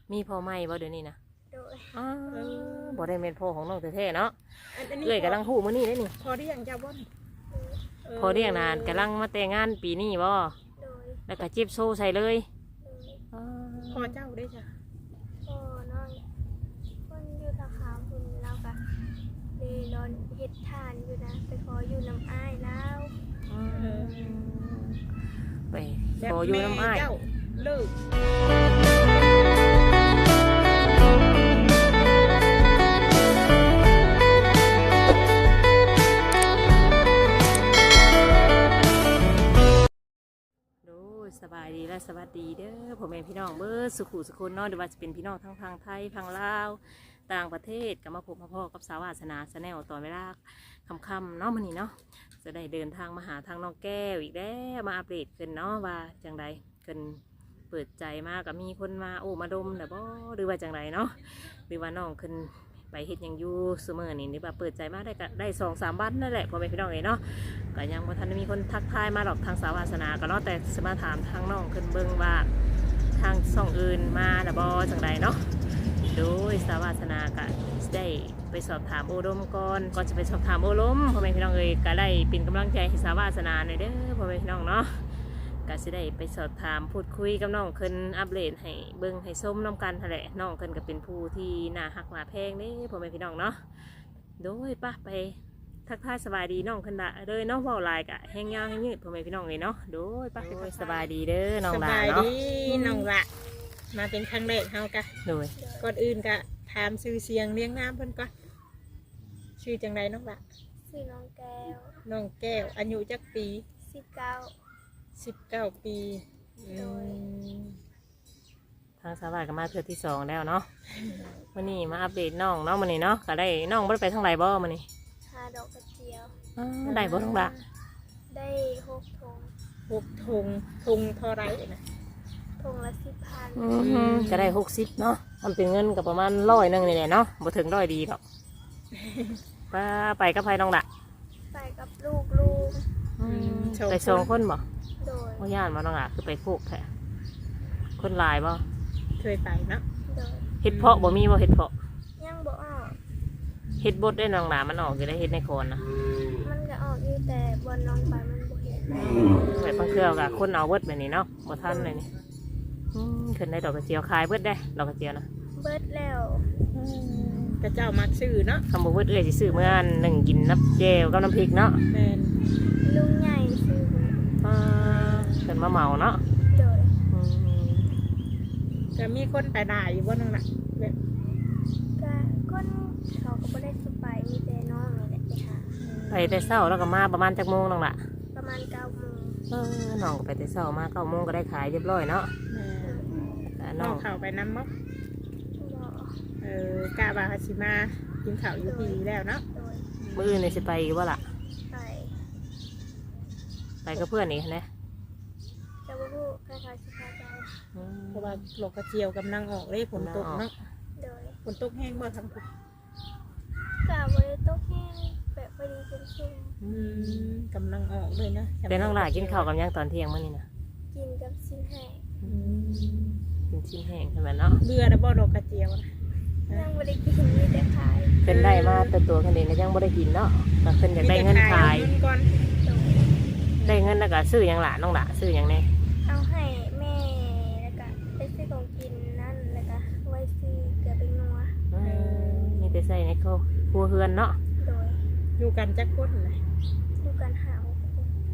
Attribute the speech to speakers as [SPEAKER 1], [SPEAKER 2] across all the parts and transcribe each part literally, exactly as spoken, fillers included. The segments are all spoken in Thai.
[SPEAKER 1] มีพ่อใหม่บ่เดี๋ยวนี้นะ
[SPEAKER 2] โดย
[SPEAKER 1] อ๋อบ่ได้เป็นพ่อของน้องแท้ๆเนาะ
[SPEAKER 3] อันนี้
[SPEAKER 1] เอ้ยกำลังฮู้มื้อนี้ได้นี่
[SPEAKER 3] พอได้ยังจะบ่น
[SPEAKER 1] พอเรียกนานกำลังมาแต่งงานปีนี้บ่
[SPEAKER 2] โดย
[SPEAKER 1] แล้วก็จิบโซ่ใส่เลย
[SPEAKER 2] โดย
[SPEAKER 1] อ๋อ
[SPEAKER 3] พอเจ้าได้จ้ะ
[SPEAKER 2] พ่อน้องคนอยู่ทางขาวคุณเราก็เลยนอนเฮ็ดทานอยู่นะไปขออยู่น้ำอ้ายแล้ว
[SPEAKER 1] ไปขออยู่น้ำอ้าย
[SPEAKER 3] เจ้าเลิก
[SPEAKER 1] โดยสบายดีและสวัสดีเด้อพ่อแม่พี่น้องเบิดสุขุสุคนเนาะหรือว่าจะเป็นพี่น้องทั้งทางไทยทางลาวต่างประเทศก็มาพบมาพ่อกับสาวาสนาแนลตอนเวลาค่ำๆเนาะมื้อนี้เนาะจะได้เดินทางมาหาทางน้องแก้วอีกแล้วมาอัปเดตกันเนาะว่าจังใดกันเปิดใจมากกับมีคนมาโอ้มาดมแต่บ่หรือว่าจังใดเนาะหรือว่าน้องขึ้นไปเฮ็ดหยังอยู่เสมอนี่หรือว่าเปิดใจมาได้ก็ได้สองสามวันนั่นแหละพ่อแม่พี่น้องเอ๋ยเนาะก็ยังบ่ทันได้มีคนทักทายมาหรอกทางสาวาสนาก็เนาะแต่สมาถามทางน้องขึ้นเบิ่งว่าทางช่องอื่นมาแต่บ่จังใดเนาะโดยสาวาสนาก็ได้ไปสอบถามโอดมก่อนก่อนจะไปสอบถามโอลมพ่อแม่พี่น้องเอ๋ยก็ได้เป็นกำลังใจให้สาวาสนาหน่อยเด้อพ่อแม่พี่น้องเนาะก็สิได้ไปสอบถามพูดคุยกับน้องขึ้นอัปเดตให้เบิ่งให้ส้มน้ำกันแหละน้องขึ้นก็เป็นผู้ที่น่าฮักน่าแพงเด้พ่อแม่พี่น้องเนาะโดยป่ะไปทักทายสบายดีน้องขึ้นละเลยเนาะเว้าหลายกะแห้งยาวแห้งยืดพ่อแม่พี่น้องเลยเนาะโดยป่ะไปสบายดีเด้อน้อง
[SPEAKER 3] ส
[SPEAKER 1] หลา
[SPEAKER 3] บาย
[SPEAKER 1] เนาะ
[SPEAKER 3] ดีน้องละมาเป็นครั้งแรกเฮากะ
[SPEAKER 1] โดย
[SPEAKER 3] ก่อนอื่นกะถามชื่อเสียงเลี้ยงน้ำเพิ่นก่อนชื่อจังไดน้องละ
[SPEAKER 2] ชื่อน้องแก้ว
[SPEAKER 3] น้องแก้วอายุจักปี
[SPEAKER 2] สิบเก้า
[SPEAKER 3] สิบเก้าปีอืม
[SPEAKER 1] ทางสาวาก็มาเทื่อที่สองแล้วเนาะวันนี้มาอัปเดตน้องเนาะวันนี้เนาะก็ได้น้องบ่ได้ไปทางไหนบ่วันนี้
[SPEAKER 2] หาดอกกระเจียว
[SPEAKER 1] อ๋อได้บ่ทั้งละ
[SPEAKER 2] ได้หกทง
[SPEAKER 3] หกทงทงเท่าไรนะ
[SPEAKER 2] ทงละสิบพัน
[SPEAKER 1] อืมก็ได้หกสิบเนาะมันเป็นเงินกับประมาณร้อยหนึงนี่แหละเนาะบ่ถึงร้อยดีหรอกป้าไปกับไผน้องละ
[SPEAKER 2] ไปกับลูกลูก
[SPEAKER 1] ไปสองคนบ่
[SPEAKER 2] โดย
[SPEAKER 1] บ่ย่านบ่น้องละคือไปโคกแท้คนหลายบ่
[SPEAKER 3] เคยไปเนาะ
[SPEAKER 2] โดย
[SPEAKER 1] เฮ็ดเพาะบ่มีบ่เฮ็ดเพาะ
[SPEAKER 2] ยังบ่ออก
[SPEAKER 1] เฮ็ดบดได้น้องหลามันออกอยู่ได้เฮ็ดในโคนนะ
[SPEAKER 2] มันก็ออกอยู่แต่บนน้องไปมันบ่เห็น
[SPEAKER 1] แบบบางเครือกับคนเอาเบิดแบบนี้เนาะบ่ทันเลยนี่อืมขึ้นได้ดอกกระเจียวขายเบิดได้ดอกกระเจียวนะ
[SPEAKER 2] เบิดแล้ว
[SPEAKER 3] กระเจ้ามักชื่อเนาะ
[SPEAKER 1] คำบอกเบิดเอ้ยสิซื้อเมื่อหนึ่งกินน้ำเจลกับน้ำพริกเนาะ
[SPEAKER 3] แม่น
[SPEAKER 2] ลุงใหญ่ซื้อ
[SPEAKER 1] อ่าขึ้นมาเหมาเนาะ
[SPEAKER 2] โดย
[SPEAKER 1] อืม
[SPEAKER 3] จะมีคนไปได้อยู่บ่น้องละแบบ
[SPEAKER 2] ก็คนเขาก็บ่ได้สไปมีแต่น้องนี่แหละไปหา
[SPEAKER 1] ไปแต่เช้าแล้วก็มาประมาณจักโมงน้องละ
[SPEAKER 2] ประมาณเก้าโมง
[SPEAKER 1] เออน้องก็ไปแต่เช้ามาเก้าโมงก็ได้ขายเรียบร้อยเนาะ
[SPEAKER 3] แม่
[SPEAKER 1] แต่
[SPEAKER 3] น้
[SPEAKER 1] น้
[SPEAKER 3] อ
[SPEAKER 1] อง ง
[SPEAKER 3] เข้าไปน้ำมั้
[SPEAKER 2] บ่
[SPEAKER 3] เออกาบาฮาชิมากินข้าวอยู่พีแล้วเนาะ
[SPEAKER 2] โดย
[SPEAKER 1] มื้ออื่นนี่สิไปอีกบ่ล่ะ
[SPEAKER 2] ไป
[SPEAKER 1] ไปกับเพื่อนอีกนะ
[SPEAKER 2] จะบ่ฮู้ใครเขาสิพาไป
[SPEAKER 1] อืม
[SPEAKER 3] เพราะว่าโลกกระเจียวกำลังออกเลยฝนตกเนาะ
[SPEAKER 2] โดย
[SPEAKER 3] ฝนตกแห้งบ่ทั้งทุก
[SPEAKER 2] ก็บ่ได้ตกแห้งแบบพอดีเป็นชุ่ม
[SPEAKER 3] อืมกำลังออกเลยนะ
[SPEAKER 1] เป็นน้องหลากินข้าวกับหยังตอนเที่ยงมื้อนี้นะ
[SPEAKER 2] กินกับชิ้นแห้ง
[SPEAKER 3] อืม
[SPEAKER 1] กินชิ้นแห้งใช่ไหมเนาะ
[SPEAKER 3] เบื่อแล้วบ่โลกกระเจียวนะ
[SPEAKER 2] ยังบ่ได้กินมีแต่ขาย
[SPEAKER 1] เป็นได้มาแต่ตัวคันเองก็ยังบ่ได้กินเนาะก็ขึ้นอยากได้เงินขาย
[SPEAKER 3] มีแต่เงินก่อน
[SPEAKER 2] โดย
[SPEAKER 1] ได้เงินแล้วก็ซื้อหยังหลานน้องหละซื้อหยังแน่
[SPEAKER 2] เอาให้แม่แล้วก็ไปซื้อของกินนั่นแล้วก็ไว้ซื้อเกลือเป็นนัว
[SPEAKER 1] เออมีแต่ใส่ในครัวครัวเฮือนเนาะ
[SPEAKER 2] โดย
[SPEAKER 3] อยู่กันจักคนเลย
[SPEAKER 2] ดูกันหาหกคน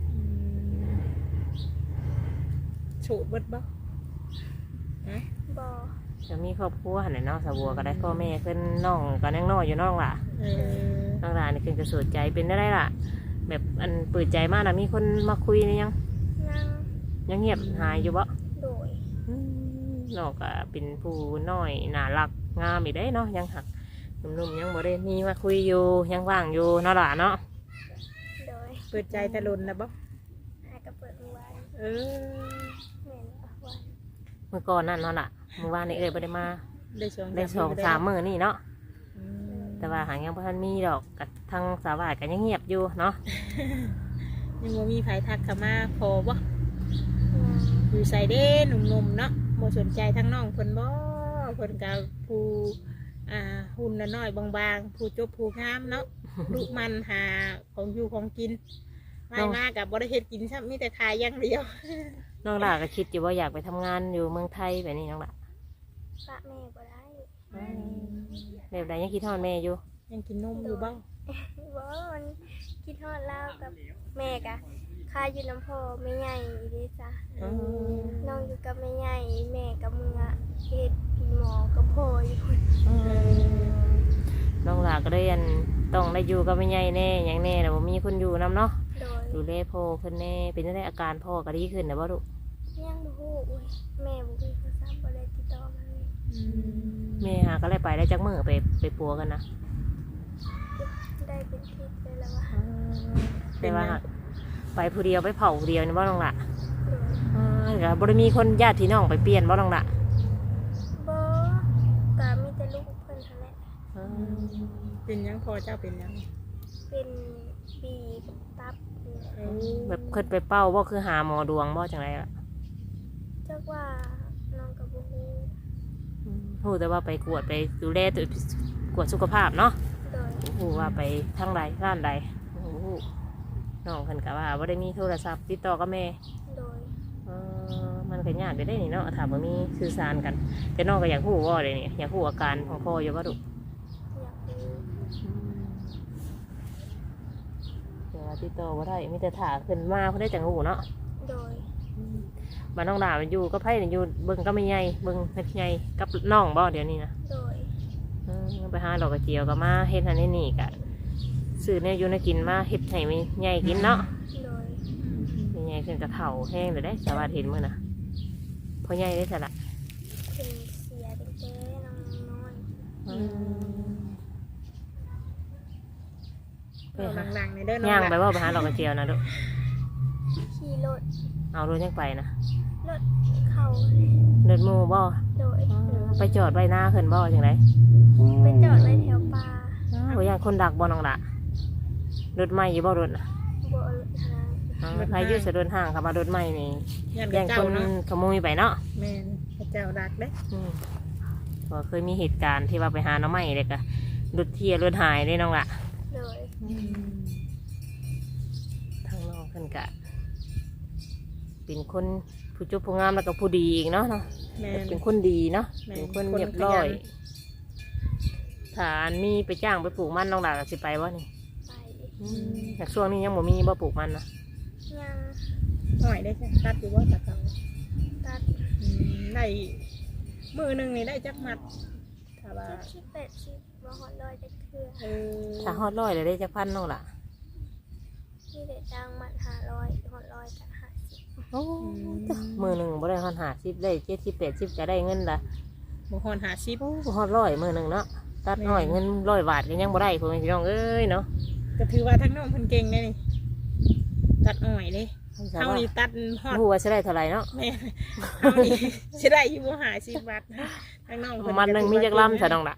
[SPEAKER 3] โฉดเบิดบ่ฮะ
[SPEAKER 2] บ่
[SPEAKER 1] จะมีครอบครัวหั่นแหละเนาะสาวบัวก็ได้พ่อแม่ขึ้นน้องก็ยังน้อยอยู่น้องล่ะ
[SPEAKER 3] เออ
[SPEAKER 1] น้องล่ะนี่ขึ้นกระสุดใจเป็นได้ไรล่ะ แบบอันเปิดใจมากนะมีคนมาคุยนี่ยัง
[SPEAKER 2] นั่ง
[SPEAKER 1] ยังเงียบหายอยู่บ่
[SPEAKER 2] โดย
[SPEAKER 1] อืมน้องก็เป็นผู้น้อยน่ารักงามอีกได้เนาะยังหักหนุ่มๆยังบ่ได้มีมาคุยอยู่ยังว่างอยู่เนาะล่ะเนาะ
[SPEAKER 2] โดย
[SPEAKER 3] เปิดใจตะลุนแล้วบ่
[SPEAKER 2] หากระเปิดมือไว้
[SPEAKER 3] เออ
[SPEAKER 2] แม่นเอาไว้
[SPEAKER 1] เมื่อก่อนนั่นเนาะล่ะเมื่อวานนี้เอ้ยบ่ได้มา
[SPEAKER 3] ได้สอง
[SPEAKER 1] ได้สองสามมื้อนี่เนาะ
[SPEAKER 3] อืม
[SPEAKER 1] แต่ว่าหางยังบ่ทันมีดอกกับทางสาวาก็ยังเงียบอยู่เนาะ
[SPEAKER 3] ยังบ่มีไผทักเข้ามาพอบ่
[SPEAKER 2] ยัง
[SPEAKER 3] อยู่ใส่เด้หนุ่มๆเนาะบ่สนใจทั้งน้องเพิ่นบ่เพิ่นก็ผู้อ่าหุ่นน้อยๆบางๆผู้จบผู้งามเนาะ ลูกมันหาของอยู่ของกินไม่มากกับบ่ได้เฮ็ดกินซ้ำมีแต่ขายอย่างเดียว
[SPEAKER 1] น้องหล่าก็คิดอยู่ว่าอยากไปทำงานอยู่เมืองไทยแบบนี้น้องหล่า
[SPEAKER 2] ปะแม่บ่ได้
[SPEAKER 1] แบบใดยังคิดทอดแม่อยู่
[SPEAKER 3] ยังกินนมอยู่บ้าง
[SPEAKER 2] บ่มันคิดฮอดลาวกับแม่กะค่าอยู่น้ำพ่อแม่ใหญ่อีเด้จ้ะน้องอยู่กับแม่ใหญ่แม่กับมึงอะเฮ็ดพี่หมอกับพ่ออยู่พุ่น
[SPEAKER 1] น้องหล่าก็ได้อันต้องได้อยู่กับแม่ใหญ่แน่อย่างแน่แต่ว่ามีคนอยู่นํเนาะ
[SPEAKER 2] โดย
[SPEAKER 1] ดูแลพ่อเพิ่นแน่เป็นจังไดอาการพ่อก็ดีขึ้นนะบ่ลูก
[SPEAKER 2] ยังบ่ฮู้อุ้ยแม่บ่มีโทรศัพท์บ่ได้ติดต่อมาเลย
[SPEAKER 1] แม่หาก็เลยไปได้จักมื้อไปไปปัวกันนะ
[SPEAKER 2] ได้เป็นทิศเลยแล้วว่า
[SPEAKER 1] แต่ว่าไปผู้เดียวไปเผาผู้เดียวนี่บ่น้องหล่า
[SPEAKER 2] โดย
[SPEAKER 1] อ่าก็บ่ได้มีคนญาติพี่น้องไปเปลี่ยนบ่น้องหล่า
[SPEAKER 2] บ่ก็มีแต่ลูกเพิ่นเท่านั้นแหละ
[SPEAKER 1] อ่า
[SPEAKER 3] เป็นหยังพอเจ้าเป็นหยัง
[SPEAKER 2] เป็นปีกับตับนี่แหละ
[SPEAKER 3] เออ
[SPEAKER 1] แบบเคยไปเป้าบ่คือหาหมอดวงบ่จังไดล่ะ
[SPEAKER 2] จักว่าน้องกับบ่ฮู้
[SPEAKER 1] ฮู้แต่ว่าไปกวดไปดูแลตัวกวดสุขภาพเนาะ
[SPEAKER 2] โดย
[SPEAKER 1] ฮู้ว่าไปทางใดร้านใดฮู้น้องเพิ่นก็ว่าบ่ได้มีโทรศัพท์ติดต่อกับแม่
[SPEAKER 2] โดย
[SPEAKER 1] เออมันก็ยากไปได้นี่เนาะถ้าบ่มีสื่อสารกัน แต่น้องก็อยากฮู้ว่าเลยนี่อยากฮู้อาการของพ่ออยู่ว่าดุ
[SPEAKER 2] อยากรู้
[SPEAKER 1] แต่ว่าติดต่อบ่ได้มีแต่ถ่าขึ้นมาเพิ่นได้จังฮู้เนาะ
[SPEAKER 2] โดย
[SPEAKER 1] บ้านน้องดามันอยู่ก็ไผนี่อยู่เบิ่งก็ไม่ใหญ่เบิ่งเฮ็ดใหญ่กับน้องบ่เดี๋ยวนี้นะ
[SPEAKER 2] โดย
[SPEAKER 1] เออไปหาดอกกระเจียวก็มาเฮ็ดอันนี้นี่ก็ซื้อแนวอยู่ในกินมาเฮ็ดให้มันใหญ่กินเนาะ
[SPEAKER 2] โดย
[SPEAKER 1] มีใหญ่ขึ้นกระเถ่าแห้งเลยได้สาวาเห็นมื้อน่ะพอใหญ่ได้สละ
[SPEAKER 2] เป็นเสียตั้งแต่น้องน้อย
[SPEAKER 1] ไป
[SPEAKER 3] เอา
[SPEAKER 1] หา
[SPEAKER 3] หลังๆในเด้อน้อง
[SPEAKER 1] ย่าง
[SPEAKER 3] ห
[SPEAKER 1] ไป
[SPEAKER 3] ลาน
[SPEAKER 1] ว่าไปหาดอกกระเจียวนะลูก
[SPEAKER 2] ขี่รถ
[SPEAKER 1] เอารถยังไปนะ
[SPEAKER 2] รถเข้า
[SPEAKER 1] เดินหมู่บ่
[SPEAKER 2] โดย
[SPEAKER 1] ไปจอดไว้หน้าขึ้นบ่จังได
[SPEAKER 2] ไปจอดไว้แถวป่า
[SPEAKER 1] บ่ย่างคนดักบ่น้องละรถใหม่อยู่บ่รถน่ะ
[SPEAKER 2] บ่รถทาง
[SPEAKER 1] อ๋อใครอยู่สะดนห่างเข้ามารถใหม่นี่
[SPEAKER 3] ยัน
[SPEAKER 1] แย่
[SPEAKER 3] กับ
[SPEAKER 1] ง
[SPEAKER 3] เจ้า
[SPEAKER 1] คน
[SPEAKER 3] เนาะ
[SPEAKER 1] ขโมยไปเนาะ
[SPEAKER 3] แม่นพระเจ้าดักเด้
[SPEAKER 1] อืมก็เคยมีเหตุการณ์ที่ว่าไปหาหน้องใหม่เลยก็รถเที่ยรถหายได้น้องละ
[SPEAKER 2] โดย
[SPEAKER 1] ทางน้องเพิ่นกะเป็นคนผู้จุบผู้งามแล้วก็ผู้ดีอีกเนาะเนาะ
[SPEAKER 3] แม่น
[SPEAKER 1] เป็นคนดีเนาะ
[SPEAKER 3] แม่น
[SPEAKER 1] เป็นคน
[SPEAKER 3] คน
[SPEAKER 1] เรียบร้อย
[SPEAKER 3] ขยัน
[SPEAKER 1] ถ้าอันมีไปจ้างไปปลูกมันน้องดาก็สิไปบ่นี่
[SPEAKER 2] ไป
[SPEAKER 1] อยากช่วงนี้ยังบ่มีบ่ปลูกมันนะ
[SPEAKER 2] ยัง
[SPEAKER 3] หน่อยได้ใช่ตัดอยู่ว่าตัดเขา
[SPEAKER 2] ตัด
[SPEAKER 3] อืมได้มือหนึ่งนี่ได้จักมัดถ้าว่า
[SPEAKER 2] เจ็ดสิบแปดสิบบ่ฮอดร้อยจักเทื่อ
[SPEAKER 3] เออ
[SPEAKER 1] ถ้าฮอดร้อยเลยได้จักพันน้องล่ะ
[SPEAKER 2] นี่ได้จ้างมัดห้าร้อยฮอดร้อยกับห้าสิบ
[SPEAKER 1] โอ้มือหนึ่งบ่ได้ฮอดห้าสิบได้เจ็ดสิบแปดสิบก็ได้เงินละ
[SPEAKER 3] บุคอนหาชิป
[SPEAKER 1] โอ้บ่ฮอดร้อยมือหนึ่งเนาะตัดน้อยเงินร้อยบาทก็ยังบ่ได้พ่อแม่พี่น้องเอ้ยเนาะ
[SPEAKER 3] ก็ถือว่าทั้งน้องเพิ่นเก่งได้นี่ตัดอ่อยเลยเท่านี้ตัดฮอด
[SPEAKER 1] ฮู้ว่าสิได้เท่าไหร่เนาะ
[SPEAKER 3] แม่เท่านี้สิได้อยู่บ่หาชิปบัตรทั้งน้องเพิ่น
[SPEAKER 1] มันหนึงมีจักลำซะน้องล่ะ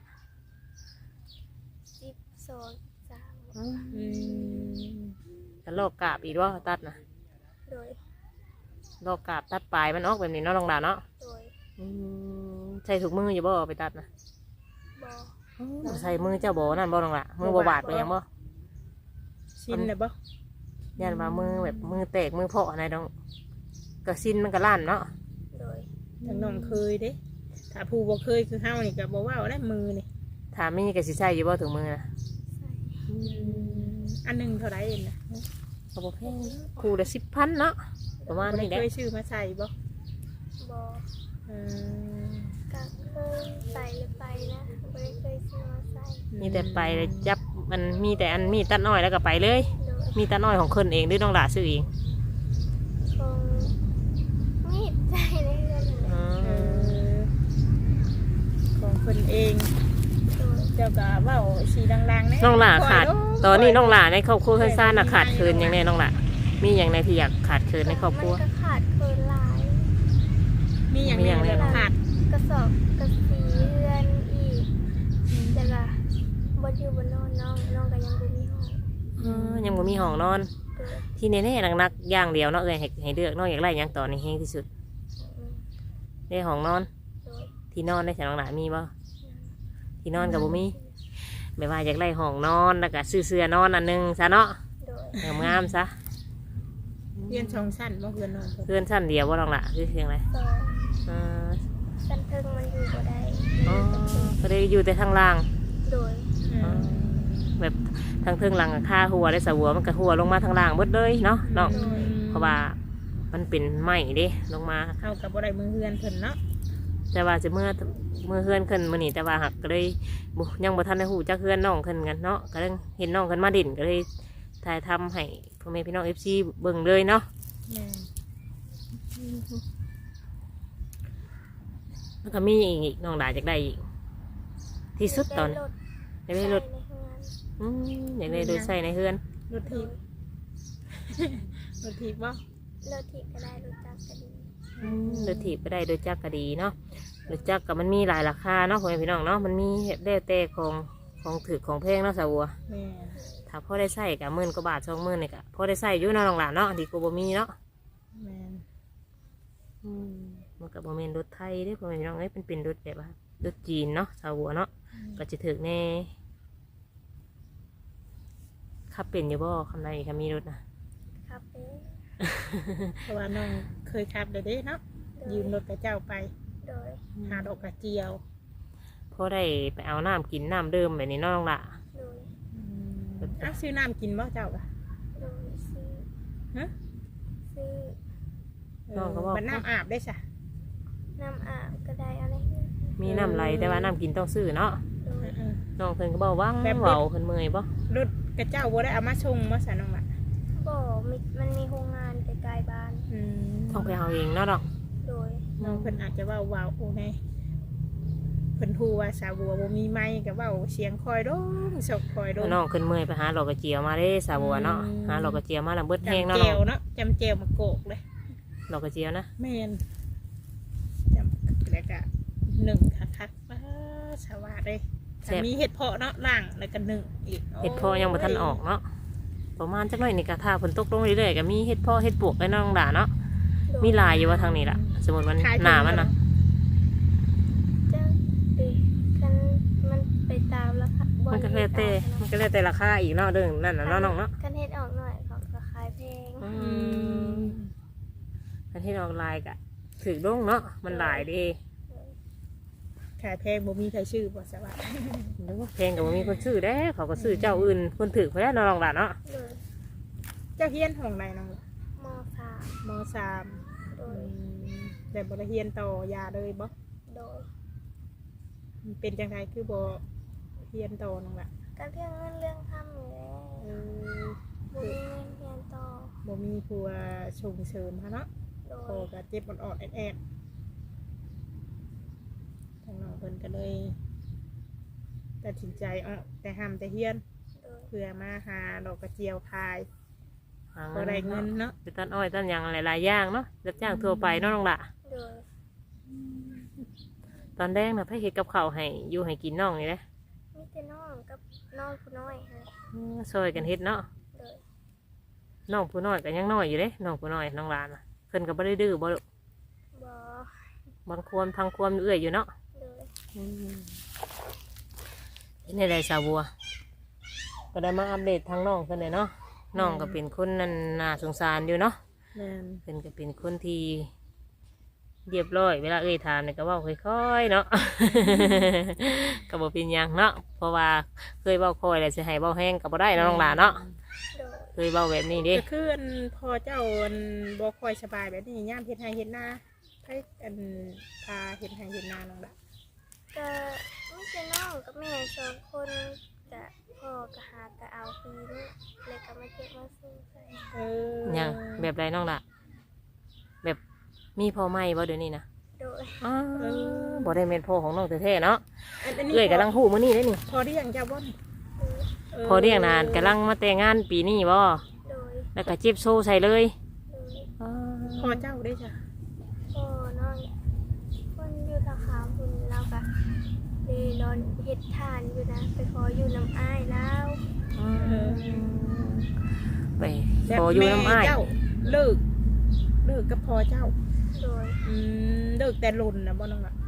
[SPEAKER 2] สิบสองสาม
[SPEAKER 3] อืม
[SPEAKER 1] กันลอกกาบอีกว่าตัดนะ
[SPEAKER 2] โดย
[SPEAKER 1] ลอกกาบตัดปลายมันออกแบบนี้เนาะน้องดาเนาะ
[SPEAKER 2] โดย
[SPEAKER 1] อืมใส่ถุกมืออยู่บ่เอาไปตัดนะ
[SPEAKER 2] บ่
[SPEAKER 1] ใส่มือเจ้าบ่นั่นบ่น้องล่ะมือบ่บาดไปยังบ่
[SPEAKER 3] ชินเลยบ่
[SPEAKER 1] ยันว่ามือแบบมือแตกมือเพาะอะไรน้องก็สิ้นมันก็ลั่นเนาะ
[SPEAKER 2] โดย
[SPEAKER 3] ทั้งน้องเคยเด้ถ้าผู้บ่เคยคือเฮานี่ก็บ่ว่าได้มือนี่
[SPEAKER 1] ถ้ามีก็สิใส่อยู่บ่ถุงมือนะ
[SPEAKER 2] ใส่
[SPEAKER 3] อันหนึงเท่าไหร่เองนะ
[SPEAKER 1] ก็บ่แพงคู่ละสิบพันเนาะประมาณ
[SPEAKER 3] บ่ได้
[SPEAKER 1] นี้แหละ
[SPEAKER 3] เคยซื้อมาใส่บ่
[SPEAKER 2] บ่
[SPEAKER 3] เออ
[SPEAKER 2] ก็เคยใส่หรือไปนะบ่ได้เคยซื้อมาใส่
[SPEAKER 1] มีแต่ไปเลยจับมันมีแต่อันมีตัดน้อยแล้วก็ไปเลย
[SPEAKER 2] โดย
[SPEAKER 1] มีตัดน้อยของคนเองหรือน้องล่ะซื้อเอง
[SPEAKER 2] คงมีดใจในเรือนนั่นแหละ
[SPEAKER 1] อื
[SPEAKER 3] เอ
[SPEAKER 1] ม
[SPEAKER 3] อของเพิ่นเอง
[SPEAKER 2] โดย
[SPEAKER 3] เจ้าก็เว้าสีดังๆแน่
[SPEAKER 1] น้องล่ะขาด
[SPEAKER 3] ปล่ย
[SPEAKER 1] ตอนนี้น้องล่ะในครอบครัวเพื่อนซ่านน่ะขาดเคินอย่างแน่น้องล่ะมีอย่างในที่อยากขาดเคินในครอบครัว
[SPEAKER 2] มันก็ขาดเคินหลาย
[SPEAKER 3] มีอย่าง
[SPEAKER 1] มีอย่าง
[SPEAKER 3] นี้
[SPEAKER 1] ไร
[SPEAKER 3] แบบขาด
[SPEAKER 2] กระสอบกระสีเรือนอีกแต่ละบนอยู่บนนอนน้องน้องก็ยังบ่มีห้อง
[SPEAKER 1] เออยังบ่มีห้องนอน
[SPEAKER 2] โดย
[SPEAKER 1] ที่แน่ๆนักๆอย่างเดียวเนาะเอ้ยให้ให้เลือกน้องอยากได้หยังตอนนี้แฮงที่สุด
[SPEAKER 2] อืม
[SPEAKER 1] ได้ห้องนอน
[SPEAKER 2] โดย
[SPEAKER 1] ที่ที่นอนได้ฉันน้องหลานมีบ่ที่นอนกับบ่มีแบบว่าอยากได้ห้องนอนแล้วก็ซื้อเสื้อนอนอันหนึงซะเนาะ
[SPEAKER 2] โดย
[SPEAKER 1] งามๆซะ
[SPEAKER 3] เรียนสองชั้นบ่เพื่อนน้องเพิ่น
[SPEAKER 1] เพื่อนชั้นเดียวบ่น้องหล่ะคือเพียงไร
[SPEAKER 2] สอง
[SPEAKER 1] อ่า
[SPEAKER 2] สันเทิงมันอยู่บ่ได้
[SPEAKER 1] อ๋อก็เลยอยู่แต่ทางล่าง
[SPEAKER 2] โดย
[SPEAKER 3] อืม
[SPEAKER 1] แบบทางเทิงหลังค่าหัวได้สะหัวมันก็หัวลงมาทางล่างเบิดเลยเนาะเนาะเพราะว่ามันเป็นไม้เด้ลงมา
[SPEAKER 3] เอากับบ่ได้มือเฮือนเพิ่นเนาะ
[SPEAKER 1] แต่ว่าจะเมื่อเมื่อเฮือนขึ้นมื้อนี้แต่ว่าหักก็เลยบ่ยังบ่ทันได้ฮู้จักเฮือนน้องขึ้นกันเนาะก็เลยเห็นน้องขึ้นมาดินก็เลยถ่ายทำให้พ่อแม่พี่น้อง เอฟ ซี เบิ่งเลยเนาะ
[SPEAKER 3] แม่น
[SPEAKER 1] แล้วก็มีอีกน้องดาอยากได้อีกที่สุดตอนอยากได้รถ
[SPEAKER 2] ใส่ในเฮือน
[SPEAKER 1] อืมอยากได้รถใส่ในเฮือน
[SPEAKER 3] รถถีบ รถถีบบ่
[SPEAKER 2] รถที่ก็ได้รถจักรก็ดี
[SPEAKER 1] อืมรถถีบก็ได้รถจักรก็ดีเนาะรถจักรก็มันมีหลายราคาเนาะพ่อแม่พี่น้องเนาะมันมีแล้วแต่ของของถือของแพงเนาะสาวบัว
[SPEAKER 3] แม่น
[SPEAKER 1] ถ้าพ่อได้ใส่กับหมื่นกว่าบาทสองหมื่นนี่ก็พ่อได้ใส่อยู่เนาะน้องหลานเนาะดีกว่าบ่มีเนาะ
[SPEAKER 3] แม่น
[SPEAKER 1] อืมมันกับโมเมนรถไทยเด้อพ่อแม่พี่น้องเอ้ยเป็นเป็นรถแบบว่ารถจีนเนาะสาวบัวเนาะก็จะถึกแน่ขับเป็นอยู่บ่คำใดคำมีรถนะครับ
[SPEAKER 2] เป็น
[SPEAKER 3] เพราะว่าน้องเคยขับได้เด้เนาะ
[SPEAKER 2] โดย
[SPEAKER 3] ยืมรถกับเจ้าไป
[SPEAKER 2] โดย
[SPEAKER 3] หาดอกกระเจียว
[SPEAKER 1] พ่อได้ไปเอาน้ำกินน้ำเดิมแบบนี้เนาะน้องละ
[SPEAKER 2] โดย
[SPEAKER 3] อ้าวซื้อน้ำกินบ่เจ้าก่ะ
[SPEAKER 2] โดยซื้อ
[SPEAKER 3] ฮะ
[SPEAKER 2] ซื้อ
[SPEAKER 1] น้องก็บอก
[SPEAKER 3] มันน้ำอาบได้จ้ะ
[SPEAKER 2] น้ำอาบก็ได้อะไรเงี้ย
[SPEAKER 1] มีน้ำไหลแต่ว่าน้ำกินต้องซื้อเนาะ
[SPEAKER 2] โดย
[SPEAKER 3] เออ
[SPEAKER 1] น้องเพิ่นก็บอกว่าง
[SPEAKER 3] แบบรถ
[SPEAKER 1] เบาเพิ่นเมื่อยบ่
[SPEAKER 3] รถกระเจ้าบ่ได้เอามาชงมาสะน้องละ
[SPEAKER 2] บ่มีมันมีโรงงานใกล้ๆบ้าน
[SPEAKER 3] อืม
[SPEAKER 1] ต้องไปเอาเองเนาะดอก
[SPEAKER 2] โดย
[SPEAKER 3] น้องเพิ่นอาจจะเว่าว้าวโอ้แน่เพิ่นฮู้ว่าสาวบัวบ่มีไม้ก็เว้าเสียงคอยโดงสกคอยโดง
[SPEAKER 1] น้องขึ้นเมื่อยไปหาหลอกกระเจียวมาเด้สาวบัวเนาะ
[SPEAKER 3] อืม
[SPEAKER 1] หาหลอกกระเจียวมาแล้วเบิดแห้ง
[SPEAKER 3] จำ
[SPEAKER 1] เนาะ
[SPEAKER 3] เจ
[SPEAKER 1] น้อ
[SPEAKER 3] ว
[SPEAKER 1] ง
[SPEAKER 3] เนาะจำเจวมาโกกเลย
[SPEAKER 1] หลอกกระเจียวนะ
[SPEAKER 3] แม่นจำแล้วก็หนึ่งคักๆป้าสวัสดีถ้ามีเห็ดเพาะเนาะล่างแล้วก็หนึ่งอีก
[SPEAKER 1] เห็ดเพอยังบ่ทันออกเนาะประมาณจักหน่อยนี่ก็ถ้าฝนตกลงเรื่อยๆก็มีเห็ดเพอเห็ดปวกได้เนาะน้องด่าเนาะ
[SPEAKER 2] โดย
[SPEAKER 1] มีลายอยู่ว่าทางนี้ล่ะสมมติมันหนามันนะ
[SPEAKER 2] จะเด็กกันมันไปตามแล้วค่ะบ่
[SPEAKER 1] มันก็แล้วแต่มันก็แล้วแต่ราคาอีกเนาะเรื่องนั่นน่ะเนาะน้องเนาะ
[SPEAKER 2] กันเฮ็ดออกหน่อยเขาก็ขายแพง
[SPEAKER 1] อื
[SPEAKER 3] อื
[SPEAKER 1] ม
[SPEAKER 3] ม
[SPEAKER 1] อันที่น้องลายกะถือลงเนาะมันหลายเดี
[SPEAKER 3] ขายแพงบ่มีใครชื่อบ่สวัสดี
[SPEAKER 1] หรือว่าเพลงกับมีคนซื้อได้เขาก็ซื้อเจ้าอื่นคนถือเขาได้น้องด่าเนาะ
[SPEAKER 2] โดย
[SPEAKER 3] เจ้าเฮียนห้องไหนน้องล่ะ
[SPEAKER 2] มสาม
[SPEAKER 3] มสาม
[SPEAKER 2] โด
[SPEAKER 3] อื
[SPEAKER 2] ย
[SPEAKER 3] มแต่บ่ได้เฮียนต่อยาเลยบ่
[SPEAKER 2] โดย
[SPEAKER 3] เป็นจังไดคือบ่เฮียนต่อน้องล่ะ
[SPEAKER 2] ก็เรื่องเงินเรื่องคำอยู่แล้ว
[SPEAKER 3] เออ
[SPEAKER 2] บ่มีเงินเรียนต่อ
[SPEAKER 3] บ่มีผู้ว่าส่งเสริมฮะเนาะ
[SPEAKER 2] โด
[SPEAKER 3] โอย ก็เจ็บอ่อนๆแอดๆทางน้องเพิ่นก็เลยตัดสินใจออกแต่ห้ามแต่เฮียน
[SPEAKER 2] โดย
[SPEAKER 3] เพื่อมาหาดอกกระเจียวขาย
[SPEAKER 1] หา
[SPEAKER 3] บ่ได้เงินเนาะ
[SPEAKER 1] ไปตัดอ้อยตัดหยางหลายๆอย่างเนาะรับจ้างทั่วไปเนาะน้องด่า
[SPEAKER 2] โดย
[SPEAKER 1] ตอนแรกนะพ่อเฮ็ดกับข้าวให้อยู่ให้กินน้องนี่แหละ
[SPEAKER 2] มีแต่น้องกับน้องผู้น้อยค่ะ
[SPEAKER 1] เออซอยกันเฮ็ดเนาะ
[SPEAKER 2] โดย
[SPEAKER 1] น้องผู้น้อยก็ยังน้อยอยู่เด้น้องผู้น้อยน้องหลานน่ะเพิ่นก็บ่ได้ดื้อบ่ลูก
[SPEAKER 2] บ่
[SPEAKER 1] บางควมทางควมเอื้อยอยู่เนาะ
[SPEAKER 2] โดย
[SPEAKER 1] นี่ได้สาวบัว ก็ได้มาอัปเดตทางน้องเพิ่นเลยเนาะน้องก็เป็นคนนั่นน่าสงสารอยู่เนาะ
[SPEAKER 3] แม่น
[SPEAKER 1] เพิ่นก็เป็นคนที่เรียบร้อยเวลาเอ่ยถามเนี่ยก็เว้าค่อยๆเนาะ ก็บ่เป็นหยังเนาะเพราะว่าเคยเว้าค่อยแล้วสิให้เว้าแห้งก็บ่ได้เนาะน้องหลานเนาะ
[SPEAKER 2] โดย
[SPEAKER 1] เคยเว้าแบบนี้เด้
[SPEAKER 3] ก็คืออันพอเจ้าอันบ่ค่อยสบายแบบนี้ย่ามเฮ็ดให้เฮ็ดนาให้อันพาเฮ็ดให้เฮ็ดนาน้องล่ะ
[SPEAKER 2] ก็มีแต่น้องกับแม่สองคนจะพ่อก็หาก็เอาปีนี้เลยก็มาเก็บมาซื้อใส่
[SPEAKER 3] เออ
[SPEAKER 1] หยังแบบไรน้องล่ะ แบบมีพ่อไหมบ่เดี๋ยวนี้นะ
[SPEAKER 2] โดย
[SPEAKER 1] อ้าวบ่ได้แม่นพ่อของน้องแท้ๆเนาะ
[SPEAKER 3] อันอันนี้
[SPEAKER 1] เอ้ยกำลังฮู้มื้อนี้เด้นี่
[SPEAKER 3] พอได้ยังจ้าบ่น
[SPEAKER 2] โดย
[SPEAKER 1] พอเรียกนานกำลังมาแต่งงานปีนี้บ่
[SPEAKER 2] โดย
[SPEAKER 1] แล้วก็จิบโซ่ใส่เลย
[SPEAKER 2] โดย
[SPEAKER 1] อ้า
[SPEAKER 3] พอเจ้าได้จ้ะ
[SPEAKER 2] พ่อน้องคนอยู่ทางขามคุณเราก็เลยนอนเฮ็ดทานอยู่นะไปขออยู่น้ำอ้ายแล้ว
[SPEAKER 1] ไป
[SPEAKER 3] แบบ
[SPEAKER 1] พออยู่น้ำอ้าย
[SPEAKER 3] แม่เจ้าเลิกเลิกกับพอเจ้า
[SPEAKER 2] โดย
[SPEAKER 3] อืมเลิกแต่หล่นนะบ่น้องล่ะ
[SPEAKER 2] เ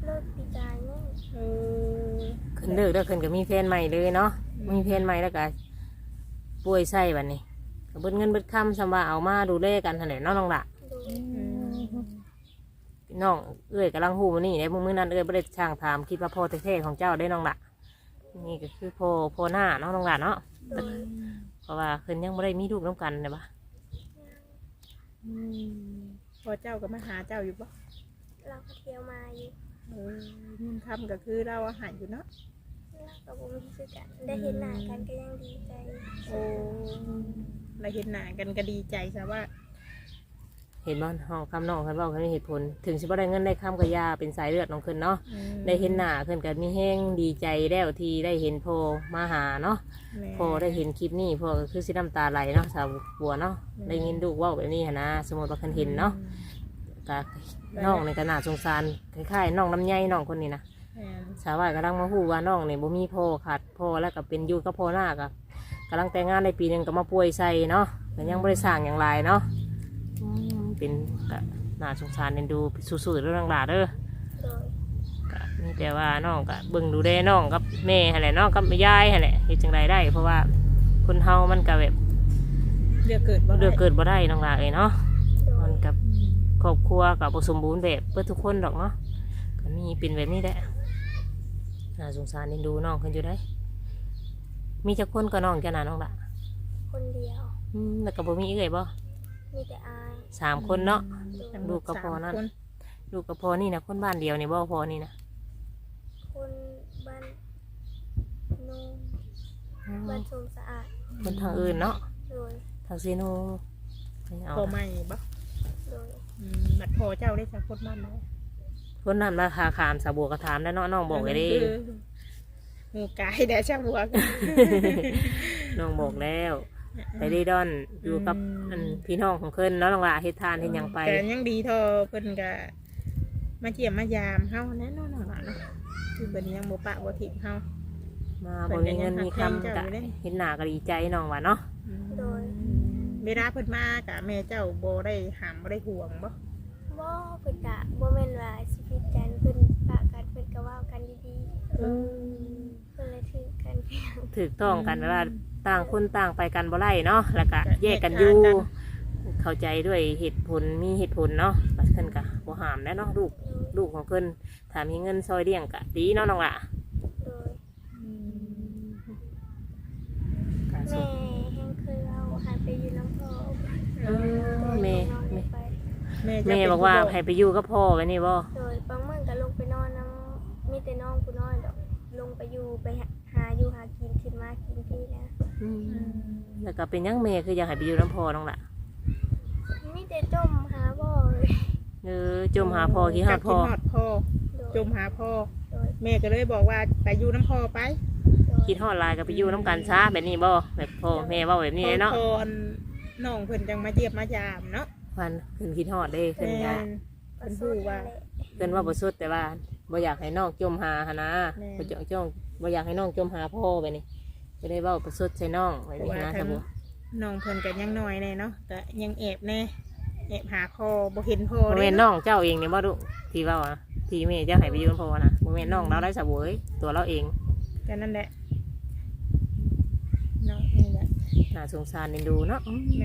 [SPEAKER 2] เลิกปีกายนี่
[SPEAKER 3] เออ
[SPEAKER 1] ขึ้นเลิกแล้วขึ้นก็มีแฟนใหม่เลยเนาะมีแฟนใหม่แล้วก็ป่วยไส้บัดนี้ก็เบิดเงินเบิดคำสำว่าเอามาดูแลกันหั่นแหละเนาะน้องละ
[SPEAKER 2] โดย
[SPEAKER 3] อืม
[SPEAKER 1] น้องเอ้ยกำลังหูมานี่ในมื้อนั้นเอ้ยบ่ได้ช่างถามคิดว่าพ่อแท้ๆของเจ้าได้น้องละนี่ก็คือพ่อพ่อหน้าเนาะน้องละเนาะ
[SPEAKER 2] โดย
[SPEAKER 1] เพราะว่าขึ้นยังบ่ได้มีลูกน้ำกันเลยปะ
[SPEAKER 3] อืมพอเจ้าก็มาหาเจ้าอยู่ปะ
[SPEAKER 2] เราก็เที่ยวมาอยู่
[SPEAKER 3] เออเงินคำก็คือเราอาหารอยู่เนาะ
[SPEAKER 2] เราก็บ่มีคือกันได้เห็นหน้ากันก็ยังดีใจ
[SPEAKER 3] โอ้เราเห็นหน้ากันก็ดีใจซะว่า
[SPEAKER 1] เห็นบ่ห้องคำน้องขึ้นเว่าขึ้นมีเหตุผล ถึงสิบ่ได้เงินได้คำกับยาเป็นสายเลือดน้องขึ้นเนาะ
[SPEAKER 3] อืม
[SPEAKER 1] ได้เห็นหน้าขึ้นกันมีแห้งดีใจแล้วที่ได้เห็นพ่อมาหาเนาะ
[SPEAKER 3] แม่
[SPEAKER 1] พ่อได้เห็นคลิปนี้พ่อก็คือสิน้ำตาไหลเนาะสาวบัวเนาะ
[SPEAKER 3] อืม
[SPEAKER 1] ได้ยินลูกเว่าแบบนี้หั้นนะสมมติว่าคันเห็นเนาะก็น้องในขนาดสงสารคล้ายๆน้องลำไยน้องคนนี้นะ
[SPEAKER 3] แม่น
[SPEAKER 1] สาวายกำลังมาฮู้ว่าน้องเนี่ยบ่มีพ่อขาดพ่อแล้วก็เป็นอยู่กับพ่อหน้าก็กำลังแต่งงานในปีหนึงก็มาป่วยใส่เนาะก็ยังบ่ได้สร้างอย่างไรเนาะอืมเป็นก็น่าสงสารเอ็นดูสู้ๆเรื่องหลาเด้อ
[SPEAKER 2] โดย
[SPEAKER 1] ก็มีแต่ว่าน้องก็เบิ่งดูแลน้องกับแม่หั่นแหละน้องกับยายหั่นแหละเฮ็ดจังไดได้ เพราะว่าคนเฮามันก็แบบ
[SPEAKER 3] เดือกเกิดบ่ได้
[SPEAKER 1] เลือกเกิดบ่ได้น้องหลาเอ้ยเนาะ
[SPEAKER 2] โด
[SPEAKER 1] มั
[SPEAKER 2] ย
[SPEAKER 1] นกับครอบครัวก็บ่สมบูรณ์แบบเพื่อทุกคนดอกเนาะก็มีเป็นแบบนี้แหละน่าสงสารเอ็นดูน้องเพิ่นอยู่ได้ มีจักคนก็น้องจ้ะนะน้องละ
[SPEAKER 2] คนเดียว
[SPEAKER 1] อืมแล้วก็บ่มีเอ้ยบ่
[SPEAKER 2] มีแต่อาย
[SPEAKER 1] สามคนเนาะ
[SPEAKER 2] โดย
[SPEAKER 1] ลูกกับพ่อนั่น
[SPEAKER 3] สามค
[SPEAKER 1] ลูกกับพ่อนี่นะคนบ้านเดียวนี่บ่พ่อนี่นะ
[SPEAKER 2] คนบ้านนูนบ้านชมสะอาด
[SPEAKER 1] คนทางอื่นเนาะ
[SPEAKER 2] โดย
[SPEAKER 1] ทางเซโนไม่เอา
[SPEAKER 3] พอไม่บ่
[SPEAKER 2] โดย
[SPEAKER 3] อืมบัดพอเจ้าได้สักคนบ้านไหม
[SPEAKER 1] คนนั้นราคาขามสาบัวกระถามได้เนาะน้องบอกไว้เดิ
[SPEAKER 3] หมูกายแดดช่างบัว
[SPEAKER 1] น้องบอกแล้วไปได้ดอนอยู่กับ
[SPEAKER 3] อืม
[SPEAKER 1] อันพี่น้องของเพิ่นเนาะน้องละเฮ็ดทานเฮ็ดหยังไป
[SPEAKER 3] แต่ยังดีเทอเพิ่นก็มาเจียมมายามเฮาแน่นอนล่ะเนาะคือเพิ่นยังบ่ปะบ่ทิ้งเฮา
[SPEAKER 1] มาบ่มีเงินมีคำกะเห็นหน้าก็ดีใจน้องว่าเนาะ
[SPEAKER 2] โดย
[SPEAKER 3] เวลาเพิ่นมากะแม่เจ้าบ่ได้หามบ่ได้ห่วงบ่
[SPEAKER 2] บ่เพิ่นกะบ่แม่นว่าสิผิดกันเพิ่นปะกันเพิ่นก็เว้ากันดีๆเพิ่นเลยถือกันเพียง
[SPEAKER 1] ถูกต้องกันว่าต่างคนต่างไปกันบ่ไล่เนาะแล้วก็แยกกันอยู่เข้าใจด้วยเหตุผลมีเหตุผลเนาะบัดเพิ่นก็บ่ห้ามแล้วเนาะลูกลูกของเพิ่นถ้ามีเงินซอยเลี้ยงก็ดีเนาะน้องละ
[SPEAKER 2] โดย
[SPEAKER 3] อืม
[SPEAKER 1] ก็
[SPEAKER 2] แม่
[SPEAKER 1] สู้
[SPEAKER 2] แห้งเคยเอาหายไปอยู่น้ำพ่อ
[SPEAKER 1] เออแม่
[SPEAKER 2] น้อง
[SPEAKER 1] แม่
[SPEAKER 2] ไป
[SPEAKER 3] แม่จะ
[SPEAKER 1] แม่
[SPEAKER 3] เป็น
[SPEAKER 1] บอกว่า
[SPEAKER 3] ผู้
[SPEAKER 1] ให้ไปอยู่กับพ่อไว้นี่บ่
[SPEAKER 2] โดยบางมื้อก็ลงไปนอนน้ำมีแต่น้องกูน้อยดอกลงไปอยู่ไปหาหาอยู่หากินขึ้นมากินพี่นะ
[SPEAKER 1] อืม
[SPEAKER 3] อืม
[SPEAKER 1] แล้วก็เป็นหยังแม่คืออยากให้ไปอยู่น้ำพ่อน้องละ
[SPEAKER 2] มีแต่จมหาบ่เลย
[SPEAKER 1] เออจมหาพ่อขี้หาพ่อ
[SPEAKER 3] คิดฮอดพ่อ
[SPEAKER 2] โดย
[SPEAKER 3] จมหาพ่อ
[SPEAKER 2] โดย
[SPEAKER 3] แม่ก็เลยบอกว่าไปอยู่น้ำพ่อไป
[SPEAKER 2] โดย
[SPEAKER 1] คิดฮอดหลายก็ไปอยู่น้ำกันซะแบบนี้บ่แบบพ่อแม่เว้าแบบนี้เลยเนาะ
[SPEAKER 3] พออันน้องเพิ่นจังมาเยียบมายามเนาะ
[SPEAKER 1] มันขึ้นคิดฮอดเด้ขึ้น
[SPEAKER 3] แม่
[SPEAKER 1] ก็
[SPEAKER 3] นเพิ่นพูดว่า
[SPEAKER 1] เพิ่นว่าบ่สุดแต่ว่าบ่อยากให้น้องจมหาหนนะ
[SPEAKER 3] แม่
[SPEAKER 1] บ่จ้องจ้องบ่อยากให้น้องจมหาพ่อไปนี่ก็ได้เว้าประสุดใส่น้องไว้นี่นะสมมุติ
[SPEAKER 3] น้องเพิ่นก็ยังน้อยแน่เนาะก็ยังแอบแน่แอบหาพ่อบ่เห็นพ่อ
[SPEAKER 1] บ่
[SPEAKER 3] เด้
[SPEAKER 1] แม่น
[SPEAKER 3] เนาะ
[SPEAKER 1] น้องเจ้าเองนี่บ่ลูกที่เว้าอะที่แม่เจ้าให้ไปอยู่กับพ่อนะบ่แม่นน้องเราได้สะเวยตัวเราเอง
[SPEAKER 3] ก็นั่นแหละเนาะนี่แหละ
[SPEAKER 1] น่าสงสารเอ็นดูเนาะอืม
[SPEAKER 3] แม่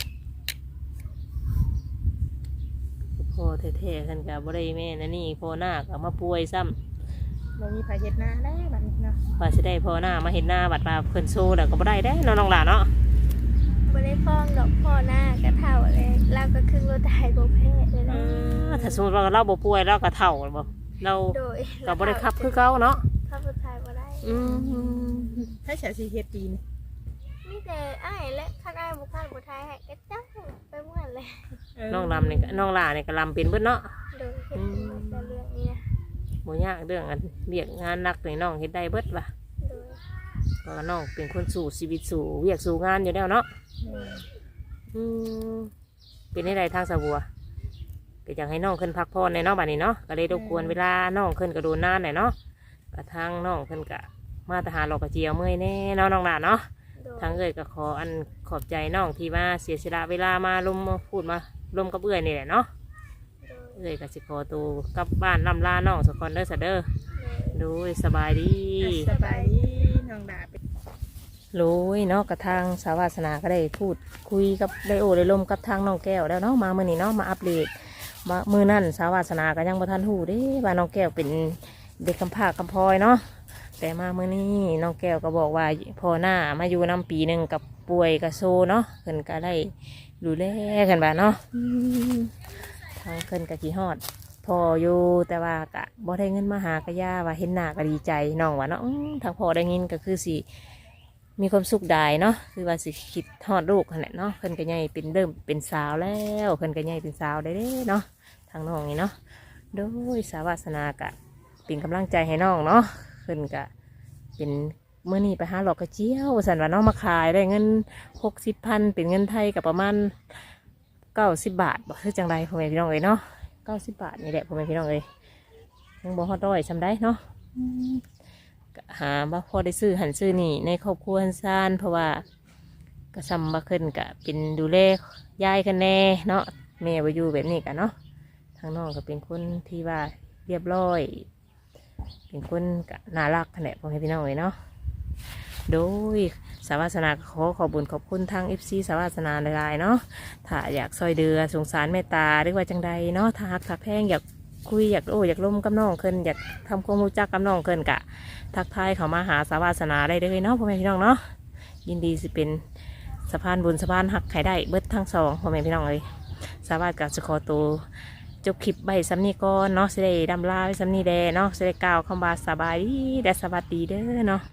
[SPEAKER 1] พ่อแท้ๆกันกับบ่ได้แม่นะนี่พ่อหน้าก็มาป่วยซ้ำ
[SPEAKER 3] บ่มีไผเฮ็ดนาได้บัดนี้เนาะ
[SPEAKER 1] ว่าสิได้พ่อหน้ามาเห็นหน้าบัดมาเพิ่นโซ่แล้วก็บ่ได้ได้เนาะน้องหลานเนาะ
[SPEAKER 2] บ่ได้ฟ้องดอกพ่อหน้าก็เท่าเลยเราก็ครึ่งรถไทยบ่แพ้เลย
[SPEAKER 1] เอ
[SPEAKER 2] นะ
[SPEAKER 1] อถ้าสมมุติว่าเราบ่ป่วยเราก็เฒ่าบ่เรา
[SPEAKER 2] โดย
[SPEAKER 1] ก็บ่ได้ขับคือเก่าเนาะ
[SPEAKER 2] ขับรถไทยบ่ได้
[SPEAKER 1] อืม
[SPEAKER 3] ถ้าฉันสิเฮ็ดปีนี่
[SPEAKER 2] มีแต่อ้ายและคันอ้ายบ่คันบ่ไทยให้ก็จ้างไปเหมือนเลย
[SPEAKER 3] เออ
[SPEAKER 1] น้องลำนี่ก็น้องหลานนี่ก็ลำเป็นเบิดเนาะ
[SPEAKER 2] โดยเฮ็ดเป็นแต่เรื่องนี้นะ
[SPEAKER 1] บ่ยากเรื่องอันเวียกงานหนักนี่น้องเฮ็ดได้เบิดว่ะ
[SPEAKER 2] โดย
[SPEAKER 1] เพราะว่าน้องเป็นคนสู่ชีวิตสู่เวียกสู่งานอยู่แล้วเนาะ
[SPEAKER 3] แม่
[SPEAKER 1] อืมเป็นได้ใดทางสะบัวก็อยากให้น้องขึ้นพักผ่อนในเนาะบัดนี้เนาะก็เลยรบกวนเวลาน้องขึ้นก็โดนนานหน่อยเนาะก็ทางน้องขึ้นก็มาทหารหลอกกระเจียวเมื่อยแน่เนาะน้องหลานเนาะ
[SPEAKER 2] โดย
[SPEAKER 1] ทางเอ่ยก็ขออันขอบใจน้องที่มาเสียสละเวลามาลมมาพูดมาลมกับเอื่อยนี่แหละเนาะ
[SPEAKER 2] โดย
[SPEAKER 1] เอ้ยก็สิขอตัวกลับบ้านลำลาน้องสกอนเด้อซะเด้อโดยสบายดี
[SPEAKER 3] สบายดีน้องดาเป็น
[SPEAKER 1] โอ้ยเนาะกระทางสาวาสนาก็ได้พูดคุยกับได้โอ้ได้ลมกับทางน้องแก้วแล้วเนาะมาเมื่อนี้เนาะมาอัปเดตมามือนั่นสาวาสนาก็ยังบ่ทันหูเด้ว่าน้องแก้วเป็นเด็กกำพร้ากำพร้อยเนาะแต่มาเมื่อนี้น้องแก้วก็บอกว่าพอหน้ามาอยู่นำปีหนึ่งกับป่วยกับโซเนาะเพิ่นก็ได้ดูแลกันบ้าเนาะอืมทางเพิ่นก็ขี้ฮอดพออยู่แต่ว่ากะบ่ได้เงินมาหากะย่าว่าเห็นหน้าก็ดีใจน้องว่าเนาะอื้อทางพอได้เงินก็คือสิ มีความสุขได้เนาะคือว่าสิคิดทอดลูกขนาดเนาะเพิ่นก็ใหญ่เป็นเริ่มเป็นสาวแล้วเพิ่นก็ใหญ่เป็นสาวได้เด้เนาะทางน้องนี่เนาะโดยสาวาสนากะเป็นกำลังใจให้น้องเนาะเพิ่นก็เป็นเมื่อนี้ไปหาหลอกกระเจียวสันว่าน้องมาขายได้เงินหกสิบพันเป็นเงินไทยกับประมาณเก้าสิบบาทบอกคือจังไรพ่อแม่พี่น้องเอ้ยเนาะเก้าสิบบาทนี่แหละพ่อแม่พี่น้องเอ้ยยังบ่ฮอดร้อยซำได้เนาะ หาบ่พอได้ซื้อหันซื้อนี่ในครอบครัวหันซานเพราะว่ากระซำบ่ขึ้นกะเป็นดูแลยายกันแน่เนาะแม่บ่อยู่แบบนี้กันเนาะทางน้องก็เป็นคนที่ว่าเรียบร้อย เป็นคนกะน่ารักขนาดพ่อแม่พี่น้องเลยเนาะโดยสาวาสนาขอขอบุญขอบคุณทางเอฟซีสาวาสนาหลายๆเนาะถ้าอยากซอยเดือสงสารเมตตาหรือว่าจังใดเนาะถ้าหักถ้าแพงอยากคุยอยากโอ้อยากล้มกับน้องเคินอยากทำความรู้จักกับน้องเคินกะ ทักทายเขามาหาสาวาสนาได้เลยเนาะพ่อแม่พี่น้องเนาะยินดีสิเป็นสะพานบุญสะพานหักไข่ได้เบิดทั้งสองพ่อแม่พี่น้องเลยสาวาสกับสขอตัวจบคลิปใบซ้ำนี้ก่อนเนาะสิได้ดำลาไว้ซ้ำนี้แดเนาะสิได้กล่าวคำว่าสบายดีและสวัสดีเด้อเนาะ